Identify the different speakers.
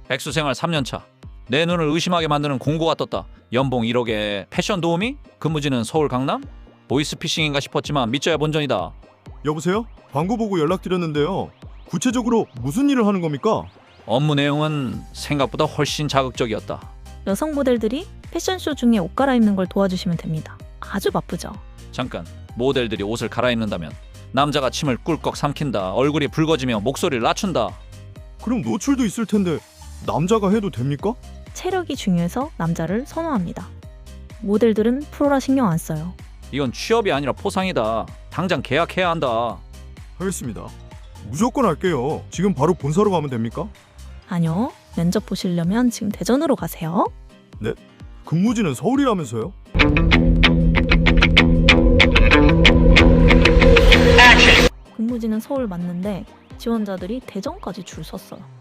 Speaker 1: 백수생활 3년차. 내 눈을 의심하게 만드는 공고가 떴다. 연봉 1억에 패션 도우미? 근무지는 서울 강남? 보이스피싱인가 싶었지만 믿져야 본전이다.
Speaker 2: 여보세요? 광고 보고 연락드렸는데요. 구체적으로 무슨 일을 하는 겁니까?
Speaker 1: 업무 내용은 생각보다 훨씬 자극적이었다.
Speaker 3: 여성 모델들이 패션쇼 중에 옷 갈아입는 걸 도와주시면 됩니다. 아주 바쁘죠.
Speaker 1: 잠깐, 모델들이 옷을 갈아입는다면 남자가 침을 꿀꺽 삼킨다. 얼굴이 붉어지며 목소리를 낮춘다.
Speaker 2: 그럼 노출도 있을 텐데 남자가 해도 됩니까?
Speaker 3: 체력이 중요해서 남자를 선호합니다. 모델들은 프로라 신경 안 써요.
Speaker 1: 이건 취업이 아니라 포상이다. 당장 계약해야 한다.
Speaker 2: 하겠습니다. 무조건 할게요. 지금 바로 본사로 가면 됩니까?
Speaker 3: 아니요. 면접 보시려면 지금 대전으로 가세요.
Speaker 2: 근무지는 서울이라면서요?
Speaker 3: 근무지는 서울 맞는데 지원자들이 대전까지 줄 섰어요.